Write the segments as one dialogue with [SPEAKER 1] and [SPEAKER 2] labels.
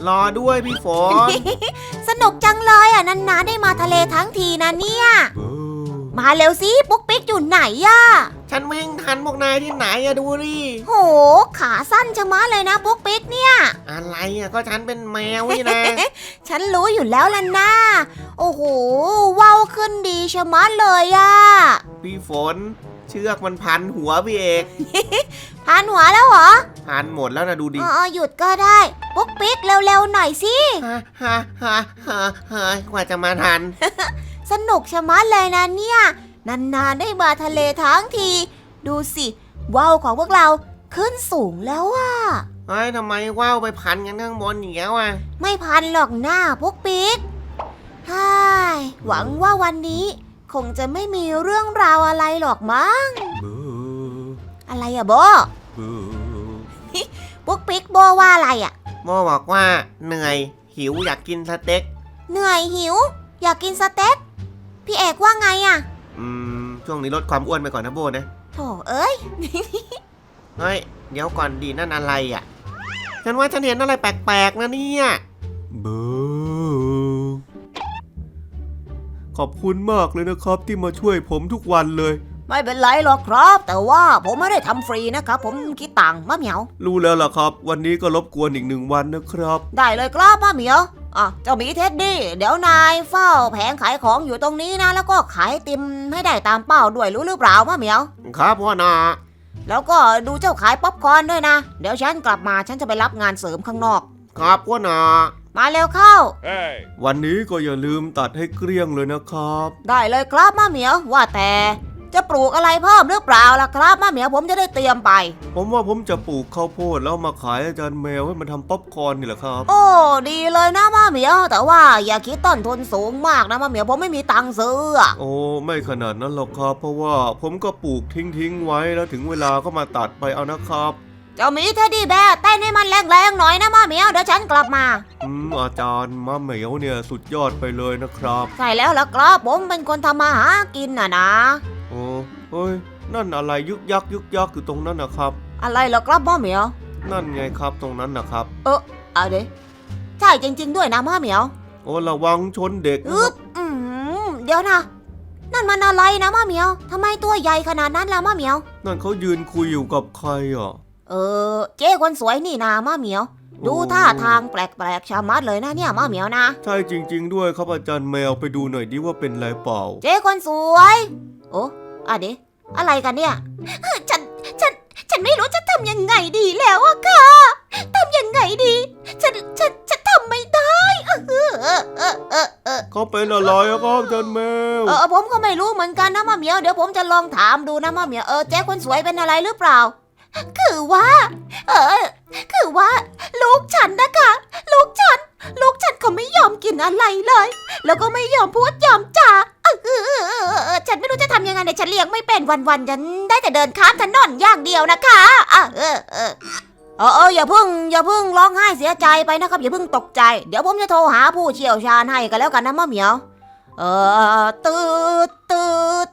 [SPEAKER 1] รอด้วยพี่ฝน
[SPEAKER 2] สนุกจังเลยอ่ะนานๆได้มาทะเลทั้งทีนะเนี่ยมาเร็วสิปุ๊กปิ๊กอยู่ไหนอ่ะ
[SPEAKER 1] ฉันวิ่งทันพวกนายที่ไหนอะดูดิ
[SPEAKER 2] โหขาสั้นชะมัดเลยนะปุ๊กปิ๊กเนี่ย
[SPEAKER 1] อะไรอะก็ฉันเป็นแมวนี่นะ
[SPEAKER 2] ฉันรู้อยู่แล้วล่ะนะโอ้โหว่าวขึ้นดีชะมัดเลยอ่ะ
[SPEAKER 1] พี่ฝนเชือกมันพันหัวพี่เอก
[SPEAKER 2] พันหัวแล้วเหรอ
[SPEAKER 1] พันหมดแล้วนะดูดิ
[SPEAKER 2] หยุดก็ได้ปุ๊กปิ๊กเร็วๆหน่อยสิ
[SPEAKER 1] ฮ่ากว่าจะมาทัน
[SPEAKER 2] สนุกชะมัดเลยนะเนี่ยนานๆได้มาทะเลทั้งทีดูสิว่าวของพวกเราขึ้นสูงแล้วอ่ะ
[SPEAKER 1] เฮ้ยทำไมว่าวไปพันกันข้างบนอย่างเงี้ยอ่ะ
[SPEAKER 2] ไม่พันหรอกหน้าปุ๊กปิ๊กฮ่ายหวังว่าวันนี้คงจะไม่มีเรื่องราวอะไรหรอกมั้งอะไรอะโบปุ๊กปิ๊กโบว่าอะไรอะ
[SPEAKER 1] โบบอกว่าเหนื่อยหิวอยากกินสเต็ก
[SPEAKER 2] เหนื่อยหิวอยากกินสเต็กพี่เอกว่าไงอะ
[SPEAKER 1] ช่วงนี้ลดความอ้วนไปก่อนนะโบนะ
[SPEAKER 2] โถเอ้ย
[SPEAKER 1] เฮ้ยเดี๋ยวก่อนดีนั่นอะไรอะฉันว่าฉันเห็นอะไรแปลกๆนะเนี่ยขอบคุณมากเลยนะครับที่มาช่วยผมทุกวันเลย
[SPEAKER 2] ไม่เป็นไรหรอกครับแต่ว่าผมไม่ได้ทำฟรีนะครับผมคิดตังค์มะเหมียว
[SPEAKER 1] รู้แล้วล่ะครับวันนี้ก็รบกวนอีก1 วันนะครับ
[SPEAKER 2] ได้เลยครับมะเหมียวเจ้าหมีเท็ดดี้เดี๋ยวนายเฝ้าแผงขายของอยู่ตรงนี้นะแล้วก็ขายติมให้ได้ตามเป้าด้วยรู้หรือเปล่ามะเหมียว
[SPEAKER 1] ครับพ่อนา
[SPEAKER 2] แล้วก็ดูเจ้าขายป๊อปคอร์นด้วยนะเดี๋ยวฉันกลับมาฉันจะไปรับงานเสริมข้างนอก
[SPEAKER 1] ครับพ่อนา
[SPEAKER 2] มาเร็วเข้า
[SPEAKER 1] hey. วันนี้ก็อย่าลืมตัดให้เกลี้ยงเลยนะครับ
[SPEAKER 2] ได้เลยครับมะเหมียวว่าแต่จะปลูกอะไรเพิ่มหรือเปล่าล่ะครับมะเหมียวผมจะได้เตรียมไป
[SPEAKER 1] ผมว่าผมจะปลูกข้าวโพดแล้วมาขายอาจารย์แมวให้มันทำป๊อปคอร์นนี่แหละครับ
[SPEAKER 2] โอ้ดีเลยนะมะเหมียวแต่ว่าอย่าคิดต้นทุนสูงมากนะมะเหมียวผมไม่มีตังค์ซื้อ
[SPEAKER 1] โอ้ไม่ขนาดนั้นหรอกครับเพราะว่าผมก็ปลูกทิ้งไว้แล้วถึงเวลาก็มาตัดไปเอานะครับ
[SPEAKER 2] เจ้าหมีเท็ดดี้แบร์เต้นให้มันแรงๆหน่อยนะมะเหมียวเดี๋ยวฉันกลับมา
[SPEAKER 1] อาจารย์มะเหมียวเนี่ยสุดยอดไปเลยนะครับ
[SPEAKER 2] ใช่แล้วล่ะครับผมเป็นคนทำมาหากินนะ
[SPEAKER 1] โอ้เฮ้ยนั่นอะไรยึกยักอยู่ตรงนั้นนะครับ
[SPEAKER 2] อะไรเหรอครับมะเหมียว
[SPEAKER 1] นั่นไงครับตรงนั้นนะครับ
[SPEAKER 2] เอาดิใช่จริงๆด้วยนะมะเหมียว
[SPEAKER 1] โอ้ระวังชนเด็ก
[SPEAKER 2] เดี๋ยวนะนั่นมันอะไรนะมะเหมียวทำไมตัวใหญ่ขนาดนั้นล่ะมะเหมียว
[SPEAKER 1] นั่นเขายืนคุยอยู่กับใครอ่ะ
[SPEAKER 2] เจ๊คนสวยนี่นามะเหมียวดูท่าทางแปลกๆชะมัดเลยนะเนี่ยมะเหมียวนะ
[SPEAKER 1] ใช่จริงๆด้วยครับอาจารย์แมวไปดูหน่อยดิว่าเป็นไรเปล่า
[SPEAKER 2] เจ๊คนสวยโอ้ดิอะไรกันเนี่ยฉันไม่รู้จะทำยังไงดีแล้วอะค่ะทำยังไงดีฉันทำไม่ได้
[SPEAKER 1] เขาเป็นอะไรครับอาจารย์แมว
[SPEAKER 2] ผมก็ไม่รู้เหมือนกันนะมะเหมียวเดี๋ยวผมจะลองถามดูนะมะเหมียวเจ๊คนสวยเป็นอะไรหรือเปล่าคือว่าลูกฉันนะคะลูกฉันเขาไม่ยอมกินอะไรเลยแล้วก็ไม่ยอมพูดยอมจาฉันไม่รู้จะทำยังไงเนี่ยฉันเลี้ยงไม่เป็นวันๆฉันได้แต่เดินข้ามถนนอย่างเดียวนะคะอย่าเพิ่งร้องไห้เสียใจไปนะครับอย่าเพิ่งตกใจเดี๋ยวผมจะโทรหาผู้เชี่ยวชาญให้กันแล้วกันนะมะเหมียวตืด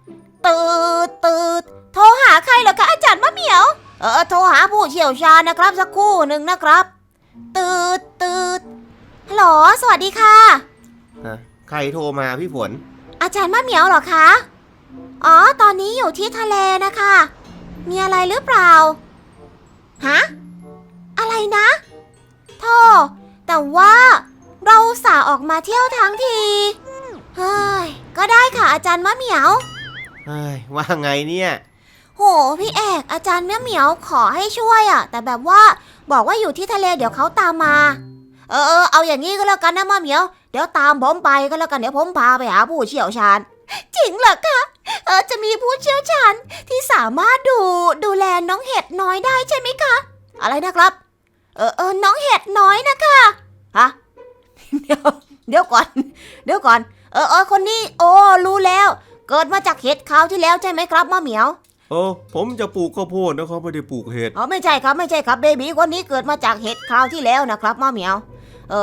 [SPEAKER 2] โทรหาใครเหรอคะอาจารย์มะเหมียวโทรหาผู้เชี่ยวชาญนะครับสักครู่หนึ่งนะครับตืดฮัลโหลสวัสดีค่ะ
[SPEAKER 1] ใครโทรมาพี่ฝน
[SPEAKER 2] อาจารย์มะเหมียวเหรอคะตอนนี้อยู่ที่ทะเลนะคะมีอะไรหรือเปล่าฮะอะไรนะโธ่แต่ว่าเราอุตส่าห์ออกมาเที่ยวทั้งทีเฮ้ยก็ได้ค่ะอาจารย์มะเหมียว
[SPEAKER 1] เฮ้ยว่าไงเนี่ย
[SPEAKER 2] โหพี่เอกอาจารย์มะเหมียวขอให้ช่วยแต่แบบว่าบอกว่าอยู่ที่ทะเลเดี๋ยวเขาตามมาเอาอย่างนี้ก็แล้วกันนะมะเหมียวเดี๋ยวตามผมไปก็แล้วกันเดี๋ยวผมพาไปหาผู้เชี่ยวชาญจริงเหรอคะจะมีผู้เชี่ยวชาญที่สามารถดูแลน้องเห็ดน้อยได้ใช่ไหมคะอะไรนะครับน้องเห็ดน้อยนะคะฮะเดี๋ยวก่อนคนนี้รู้แล้วเกิดมาจากเห็ดคราวที่แล้วใช่ไหมครับมะเหมียว
[SPEAKER 1] ผมจะปลูกข้าวโพดนะครับไม่ได้ปลูกเห็ด
[SPEAKER 2] ไม่ใช่ครับเบบีคนนี้เกิดมาจากเห็ดคราวที่แล้วนะครับมะเหมียว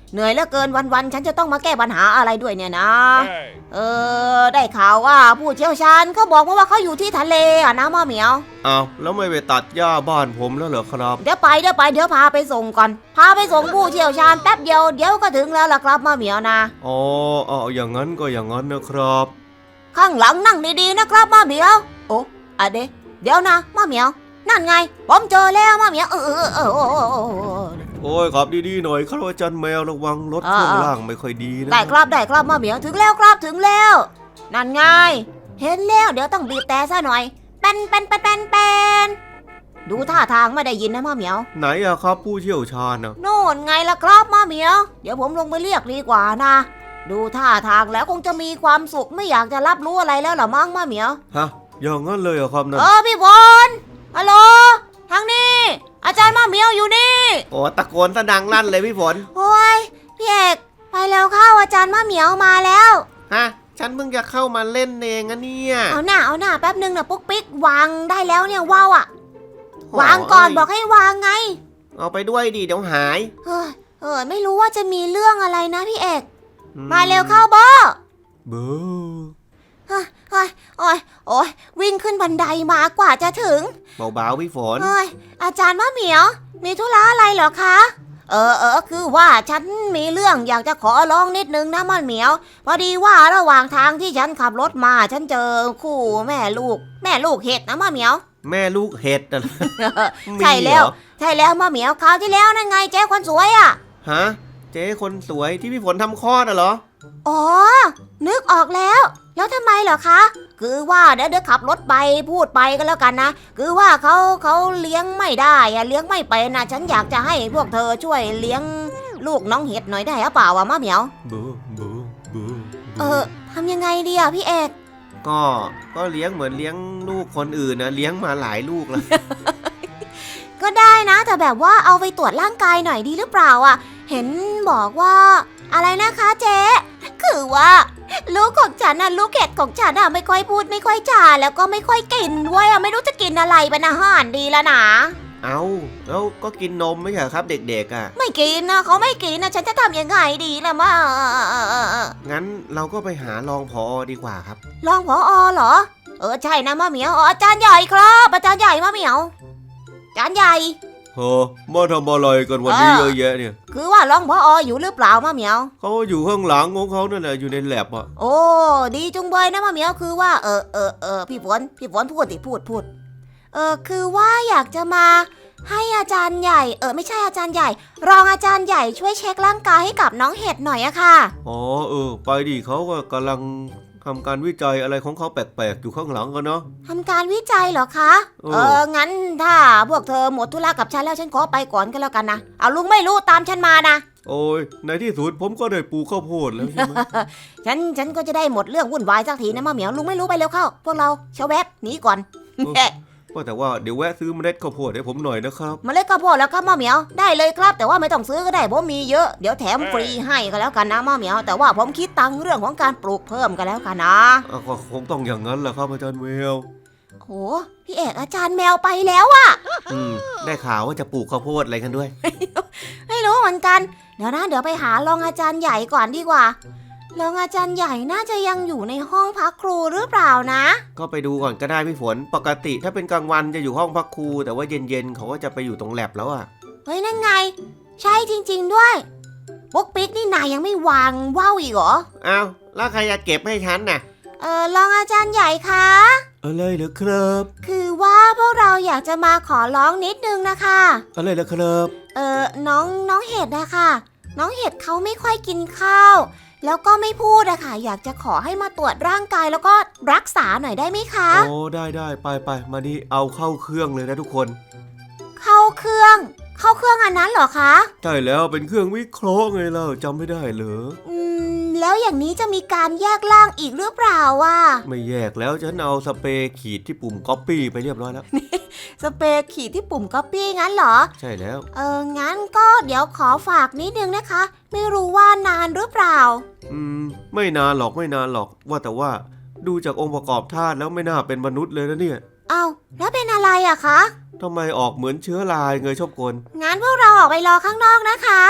[SPEAKER 2] เหนื่อยเหลือเกินวันๆฉันจะต้องมาแก้ปัญหาอะไรด้วยเนี่ยนะได้ข่าวว่าผู้เชี่ยวชาญเขาบอกมาว่าเขาอยู่ที่ทะเลอะนะมะเหมียว
[SPEAKER 1] อ้าวแล้วไม่ไปตัดหญ้าบ้านผมแล้วเหรอครับ
[SPEAKER 2] เดี๋ยวพาไปส่งก่อนพาไปส่งผู้เชี่ยวชาญแป๊บเดียวก็ถึงแล้วล่ะครับมะเหมียวนะ
[SPEAKER 1] อ๋อเอาอย่างนั้นก็อย่างนั้นนะครับ
[SPEAKER 2] ข้างหลังนั่งดีๆนะครับมะเหมียวโอ้เดี๋ยวนะมะเหมียวนั่นไงผมเจอแล้วมะเหมียว
[SPEAKER 1] โอ้ยขับดีๆหน่อยครับอาจารย์แมวระวังรถช่วงล่างไม่ค่อยดีนะ
[SPEAKER 2] ได้ครับมะเหมียวถึงแล้วนั่นไงเห็นแล้วเดี๋ยวต้องบีบแต่ซะหน่อยเป็นดูท่าทางไม่ได้ยินนะมะเหมียว
[SPEAKER 1] ไหนอะครับผู้เชี่ยวชาญอะ
[SPEAKER 2] โน่นไงล่ะครับมะเหมียวเดี๋ยวผมลงไปเรียกดีกว่านะดูท่าทางแล้วคงจะมีความสุขไม่อยากจะรับรู้อะไรแล้วหรอมั้งมะเหมียว
[SPEAKER 1] ฮะอย่างนั้นเลยเหรอครับนั่น
[SPEAKER 2] พี่ฝนฮัลโหลทางนี้อาจารย์มะเหมียวอยู่นี่
[SPEAKER 1] โอ้ตะโกนซะดังลั่นเลยพี่ฝน
[SPEAKER 2] โอ้ยพี่เอกไปแล้วเข้าอาจารย์มะเหมียวมาแล้ว
[SPEAKER 1] ฮะฉันเพิ่งจะเข้ามาเล่นเองอะเนี่ย
[SPEAKER 2] เอาหน้าแป๊บนึงนะปุ๊กปิ๊กวางได้แล้วเนี่ยว้าวอะวางก่อนบอกให้วางไง
[SPEAKER 1] เอาไปด้วยดิเดี๋ยวหาย
[SPEAKER 2] ไม่รู้ว่าจะมีเรื่องอะไรนะพี่เอกมาเร็วเข้าบอ
[SPEAKER 1] เบ้อ
[SPEAKER 2] โอ้ยวิ่งขึ้นบันไดมากว่าจะถึง
[SPEAKER 1] เบาๆพี่ฝน
[SPEAKER 2] อาจารย์มะเหมียวมีธุระอะไรเหรอคะคือว่าฉันมีเรื่องอยากจะขอร้องนิดนึงนะมะเหมียวพอดีว่าระหว่างทางที่ฉันขับรถมาฉันเจอคู่แม่ลูกเห็ดนะมะเหมียว
[SPEAKER 1] แม่ลูกเห็ดน่ะ
[SPEAKER 2] ใช่แล้วมะเหมียวคราวที่แล้วนั่นไงเจ๊คนสวยอ่ะ
[SPEAKER 1] ฮะเจ๊คนสวยที่พี่ฝนทำคลอดน่ะเหรอ
[SPEAKER 2] อ๋อนึกออกแล้วทำไมเหรอคะคือว่าเดี๋ยวขับรถไปพูดไปก็แล้วกันนะคือว่าเขาเลี้ยงไม่ได้อะเลี้ยงไม่เป็นนะฉันอยากจะให้พวกเธอช่วยเลี้ยงลูกน้องเห็ดหน่อยได้หรือเปล่าวะมะเหมียว
[SPEAKER 1] บู
[SPEAKER 2] ทำยังไงดีอ่ะพี่เอก
[SPEAKER 1] ก็เลี้ยงเหมือนเลี้ยงลูกคนอื่นนะเลี้ยงมาหลายลูกแล้ว
[SPEAKER 2] ก็ได้นะแต่แบบว่าเอาไปตรวจร่างกายหน่อยดีหรือเปล่าอ่ะเห็นบอกว่าอะไรนะคะเจ๊คือว่าลูกของฉันน่ะลูกเห็ดของฉันน่ะไม่ค่อยพูดไม่ค่อยจาแล้วก็ไม่ค่อยกินด้วยอ่ะไม่รู้จะกินอะไรเป็นอาหารดีละนะ
[SPEAKER 1] เอาแล้วก็กินนมไม่ใช่ครับเด็กๆอ่ะ
[SPEAKER 2] ไม่กินนะเขาไม่กินนะฉันจะทำยังไงดีล่ะมา
[SPEAKER 1] งั้นเราก็ไปหารองผอดีกว่าครับ
[SPEAKER 2] รองผอเหรอใช่นะมะเหมียวอาจารย์ใหญ่ครับอาจารย์ใหญ่มะเหมียวอาจารย์ใหญ่
[SPEAKER 1] เฮ้อมาทำอะไรกันวันนี้เยอะแยะเนี่ย
[SPEAKER 2] คือว่ารองผออยู่หรือเปล่ามะเหมียว
[SPEAKER 1] เขาอยู่ข้างหลังของเขานั่นแหละอยู่ในแลบอ่ะ
[SPEAKER 2] โอ้ดีจุงเบยนะมะเหมียวคือว่าพี่ฝนพูดพูดคือว่าอยากจะมาให้อาจารย์ใหญ่ไม่ใช่อาจารย์ใหญ่รองอาจารย์ใหญ่ช่วยเช็คร่างกายให้กับน้องเห็ดหน่อยอะค่ะ
[SPEAKER 1] อ๋อไปดิเขาก็กำลังทำการวิจัยอะไรของเขาแปลกๆอยู่ข้างหลังกันเนาะ
[SPEAKER 2] ทำการวิจัยเหรอคะงั้นถ้าพวกเธอหมดธุระกับฉันแล้วฉันขอไปก่อนก็แล้วกันนะเอาลุงไม่รู้ตามฉันมานะ
[SPEAKER 1] โอ้ยในที่สุดผมก็ได้ปลูกข้าวโพดแล้วใช่ไหม
[SPEAKER 2] ฉันก็จะได้หมดเรื่องวุ่นวายสักทีนะมะเหมียวลุงไม่รู้ไปเร็วเข้าพวกเราเชาแวบหนีก่อน
[SPEAKER 1] ว่าแต่ว่าเดี๋ยวแวะซื้อเมล็ดข้าวโพดให้ผมหน่อยนะครับ
[SPEAKER 2] เมล็ดข้าวโพดแล้วครับมะเหมียวได้เลยครับแต่ว่าไม่ต้องซื้อก็ได้ผมมีเยอะเดี๋ยวแถมฟรีให้ก็แล้วกันนะมะเหมียวแต่ว่าผมคิดตังค์เรื่องของการปลูกเพิ่มกันแล้วกันนะ
[SPEAKER 1] ก็คงต้องอย่างนั้นแหละครับอาจารย์เวล
[SPEAKER 2] โอ้พี่เอกอาจารย์แมวไปแล้วอะ
[SPEAKER 1] ได้ข่าวว่าจะปลูกข้าวโพดอะไรกันด้วย
[SPEAKER 2] ไม่รู้เหมือนกันเดี๋ยวไปหารองอาจารย์ใหญ่ก่อนดีกว่ารองอาจารย์ใหญ่น่าจะยังอยู่ในห้องพักครูหรือเปล่านะ
[SPEAKER 1] ก็ไปดูก่อนก็ได้พี่ฝนปกติถ้าเป็นกลางวันจะอยู่ห้องพักครูแต่ว่าเย็นๆเขาก็จะไปอยู่ตรงแลบแล้วอ่ะ
[SPEAKER 2] เฮ้ยนั่นไงใช่จริงๆด้วยปุ๊กปิ๊กนี่นายยังไม่วางว่าวอีกเหรอ
[SPEAKER 1] อ้าวแล้วใครจะเก็บให้ฉันน่ะ
[SPEAKER 2] รองอาจารย์ใหญ่คะ
[SPEAKER 1] อะไรเหรอครับ
[SPEAKER 2] คือว่าพวกเราอยากจะมาขอร้องนิดนึงนะคะ
[SPEAKER 1] อะไรเหรอครับ
[SPEAKER 2] น้องเห็ดนะคะน้องเห็ดเขาไม่ค่อยกินข้าวแล้วก็ไม่พูดอะค่ะอยากจะขอให้มาตรวจร่างกายแล้วก็รักษาหน่อยได้ไหมคะ
[SPEAKER 1] โอ้ได้ไปมานี่เอาเข้าเครื่องเลยนะทุกคน
[SPEAKER 2] เข้าเครื่องอันนั้นเหรอคะ
[SPEAKER 1] ใช่แล้วเป็นเครื่องวิเคราะห์ไงเล่าจำไม่ได้เหรอ
[SPEAKER 2] แล้วอย่างนี้จะมีการแยกร่างอีกหรือเปล่าอะ
[SPEAKER 1] ไม่แยกแล้วฉันเอาสเปรย์ขีดที่ปุ่ม Copy ไปเรียบร้อยแล้ว
[SPEAKER 2] สเปรย์ขีดที่ปุ่ม Copy งั้นเหรอ
[SPEAKER 1] ใช่แล้ว
[SPEAKER 2] งั้นก็เดี๋ยวขอฝากนิดนึงนะคะ ไม่รู้ว่านานหรือเปล่า
[SPEAKER 1] ไม่นานหรอกว่าแต่ว่าดูจากองค์ประกอบธาตุแล้วไม่น่าเป็นมนุษย์เลยนะเนี่ย
[SPEAKER 2] เอาแล้วเป็นอะไรอะคะ
[SPEAKER 1] ทำไมออกเหมือนเชื้อราไงชอบกล
[SPEAKER 2] งั้นพวกเราออกไปรอข้างนอกนะคะ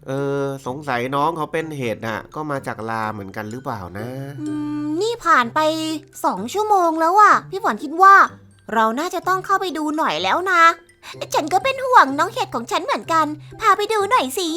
[SPEAKER 1] สงสัยน้องเขาเป็นเห็ดน่ะก็มาจากลาเหมือนกันหรือเปล่านะ
[SPEAKER 2] นี่ผ่านไป2 ชั่วโมงแล้วอะพี่ฝนคิดว่า เราน่าจะต้องเข้าไปดูหน่อยแล้วนะฉันก็เป็นห่วงน้องเห็ดของฉันเหมือนกันพาไปดูหน่อยสิ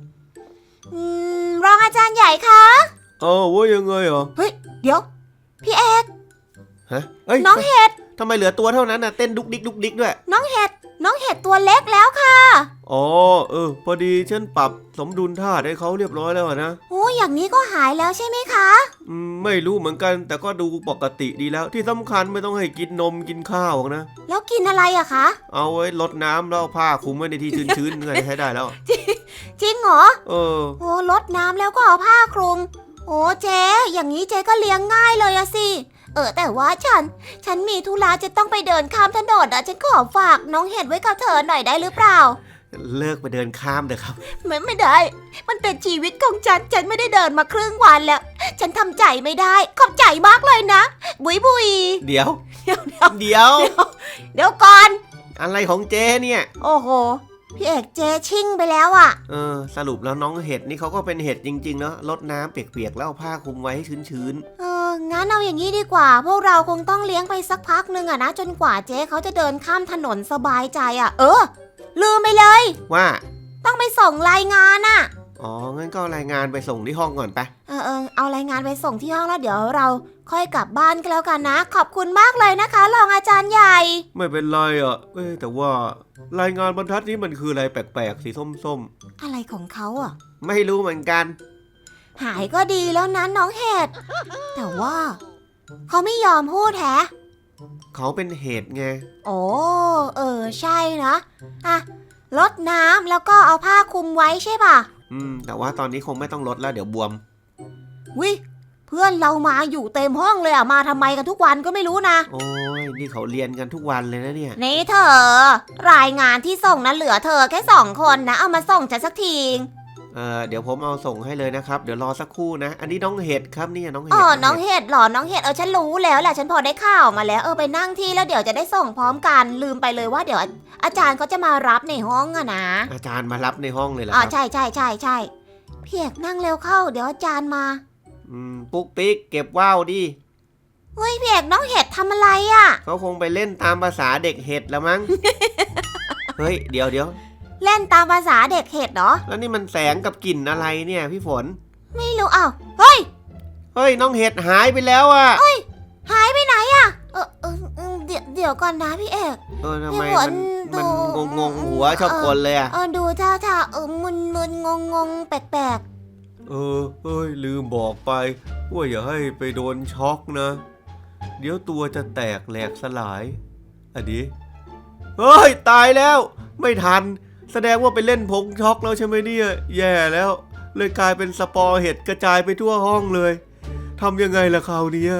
[SPEAKER 2] รองอาจารย์ใหญ่คะ
[SPEAKER 1] ว่ายังไงเหรอ
[SPEAKER 2] เฮ้ยเดี๋ยวพี่เอก
[SPEAKER 1] ฮะเอ้ย
[SPEAKER 2] น้องเห็ด
[SPEAKER 1] ทำไมเหลือตัวเท่านั้นน่ะเต้นดุกดิกดุกดิกด้วย
[SPEAKER 2] น้องเห็ดตัวเล็กแล้วค่ะ
[SPEAKER 1] พอดีฉันปรับสมดุลธาตุให้เขาเรียบร้อยแล้วนะ
[SPEAKER 2] โอ้อย่างนี้ก็หายแล้วใช่ไหมคะ
[SPEAKER 1] ไม่รู้เหมือนกันแต่ก็ดูปกติดีแล้วที่สำคัญไม่ต้องให้กินนมกินข้าวนะ
[SPEAKER 2] แล้วกินอะไรอะคะ
[SPEAKER 1] เอาไว้ลดน้ำแล้วเอาผ้าคลุมไว้ในที่ชื้นๆไงใช้ได้แล้ว
[SPEAKER 2] จริงเหรอ
[SPEAKER 1] โ
[SPEAKER 2] อ้ลดน้ำแล้วก็เอาผ้าคลุมโอ้เจ๊อย่างนี้เจ๊ก็เลี้ยงง่ายเลยอะสิแต่ว่าฉันมีธุระจะต้องไปเดินข้ามถนนอะฉันขอฝากน้องเห็ดไว้กับเธอหน่อยได้หรือเปล่า
[SPEAKER 1] เลิกไปเดินข้ามเถอะครับ
[SPEAKER 2] ไม่ได้ มันเป็นชีวิตของฉันไม่ได้เดินมาครึ่งวันแล้ว ฉันทำใจไม่ได้ขอบใจมากเลยนะบุย
[SPEAKER 1] เดี๋ยว
[SPEAKER 2] เดี๋ยวก่อน
[SPEAKER 1] อะไรของเจ๊เนี่ย
[SPEAKER 2] โอ้โหพี่เอกเจ๊ชิ่งไปแล้วอะ
[SPEAKER 1] สรุปแล้วน้องเห็ดนี่เขาก็เป็นเห็ดจริงๆเนาะลดน้ำเปียกๆแล้วเอาผ้าคลุมไว้ให้ชื้น
[SPEAKER 2] งั้นเอาอย่างนี้ดีกว่า พวกเราคงต้องเลี้ยงไปสักพักนึงอะนะจนกว่าเจ๊เขาจะเดินข้ามถนนสบายใจอะลืมไปเลย
[SPEAKER 1] ว่า
[SPEAKER 2] ต้องไปส่งรายงานอะ
[SPEAKER 1] งั้นก็รายงานไปส่งที่ห้องก่อนไป
[SPEAKER 2] เอารายงานไปส่งที่ห้องแล้วเดี๋ยวเราค่อยกลับบ้านกันแล้วกันนะ ขอบคุณมากเลยนะคะรองอาจารย์ใหญ่
[SPEAKER 1] ไม่เป็นไรอ่ะแต่ว่ารายงานบรรทัดนี้มันคืออะไรแปลกๆสีส้ม
[SPEAKER 2] ๆอะไรของเขาอ่ะ
[SPEAKER 1] ไม่รู้เหมือนกัน
[SPEAKER 2] หายก็ดีแล้วนะน้องเห็ดแต่ว่าเขาไม่ยอมพูดแฮะ
[SPEAKER 1] เขาเป็นเห็ดไง
[SPEAKER 2] ใช่นะลดน้ำแล้วก็เอาผ้าคลุมไว้ใช่ป่ะ
[SPEAKER 1] แต่ว่าตอนนี้คงไม่ต้องลดแล้วเดี๋ยวบวม
[SPEAKER 2] วิเพื่อนเรามาอยู่เต็มห้องเลยมาทำไมกันทุกวันก็ไม่รู้นะ
[SPEAKER 1] โอ้ยนี่เขาเรียนกันทุกวันเลยนะเนี่ย
[SPEAKER 2] นี่เธอรายงานที่ส่งนั้นเหลือเธอแค่2 คนนะเอามาส่งฉันสักที
[SPEAKER 1] เดี๋ยวผมเอาส่งให้เลยนะครับเดี๋ยวรอสักครู่นะอันนี้น้องเห็ดครับนี่น้องเห็ด
[SPEAKER 2] น้องเห็ดหรอน้องเห็ดฉันรู้แล้วแหละฉันพอได้ข่าวมาแล้วไปนั่งที่แล้วเดี๋ยวจะได้ส่งพร้อมกันลืมไปเลยว่าเดี๋ยวอาจารย์เขาจะมารับในห้องอะนะ
[SPEAKER 1] อาจารย์มารับในห้องเลยเหรอ
[SPEAKER 2] ใช่พี่เอกนั่งเร็วเข้าเดี๋ยวอาจารย์มา
[SPEAKER 1] ปุ๊กปิ๊กเก็บว่าวดิ
[SPEAKER 2] เฮ้ยพี่เอกน้องเห็ดทำอะไรอะ
[SPEAKER 1] เขาคงไปเล่นตามภาษาเด็กเห็ดแล้วมั้ง เฮ้ยเดี๋ยว
[SPEAKER 2] เล่นตามภาษาเด็กเห็ดเหรอ
[SPEAKER 1] แล้วนี่มันแสงกับกลิ่นอะไรเนี่ยพี่ฝน
[SPEAKER 2] ไม่รู้เฮ้ย
[SPEAKER 1] น้องเห็ดหายไปแล้วอะ
[SPEAKER 2] เฮ้ยหายไปไหนอะเดี๋ยวก่อนนะพี่เอก
[SPEAKER 1] ทำไมมันงงหัวชอบกลเลยอะ
[SPEAKER 2] ดูท่ามึนงงแปลก
[SPEAKER 1] ลืมบอกไปว่าอย่าให้ไปโดนช็อกนะเดี๋ยวตัวจะแตกแหลกสลายอันนี้ตายแล้วไม่ทันแสดงว่าไปเล่นผงช็อกแล้วใช่ไหมเนี่ยแย่แล้วเลยกลายเป็นสปอร์เห็ดกระจายไปทั่วห้องเลยทำยังไงล่ะคราวนี้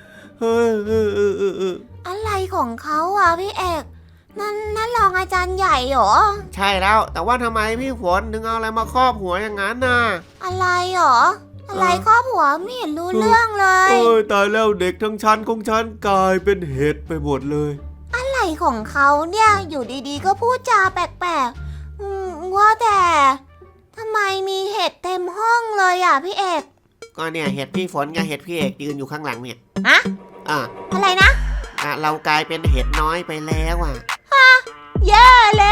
[SPEAKER 2] อะไรของเขาอ่ะพี่เอกนั่นรองอาจารย์ใหญ่เหรอ
[SPEAKER 1] ใช่แล้วแต่ว่าทำไมพี่ฝนถึงเอาอะไรมาครอบหัวอย่างนั้นน่ะ
[SPEAKER 2] อะไรหรออะไรครอบหัวไม่เห็นรู้เรื่องเลย
[SPEAKER 1] ตายแล้วเด็กทั้งชั้นของฉันกลายเป็นเห็ดไปหมดเลย
[SPEAKER 2] อะไรของเขาเนี่ยอยู่ดีๆก็พูดจาแปลกๆว่าแต่ทำไมมีเห็ดเต็มห้องเลยอ่ะพี่เอก
[SPEAKER 1] ก็เนี่ยเห็ดพี่ฝนกับเห็ดพี่เอกยืนอยู่ข้างหลังเนี่ย
[SPEAKER 2] อะไรนะ
[SPEAKER 1] เรากลายเป็นเห็ดน้อยไปแล้ว
[SPEAKER 2] แย่แ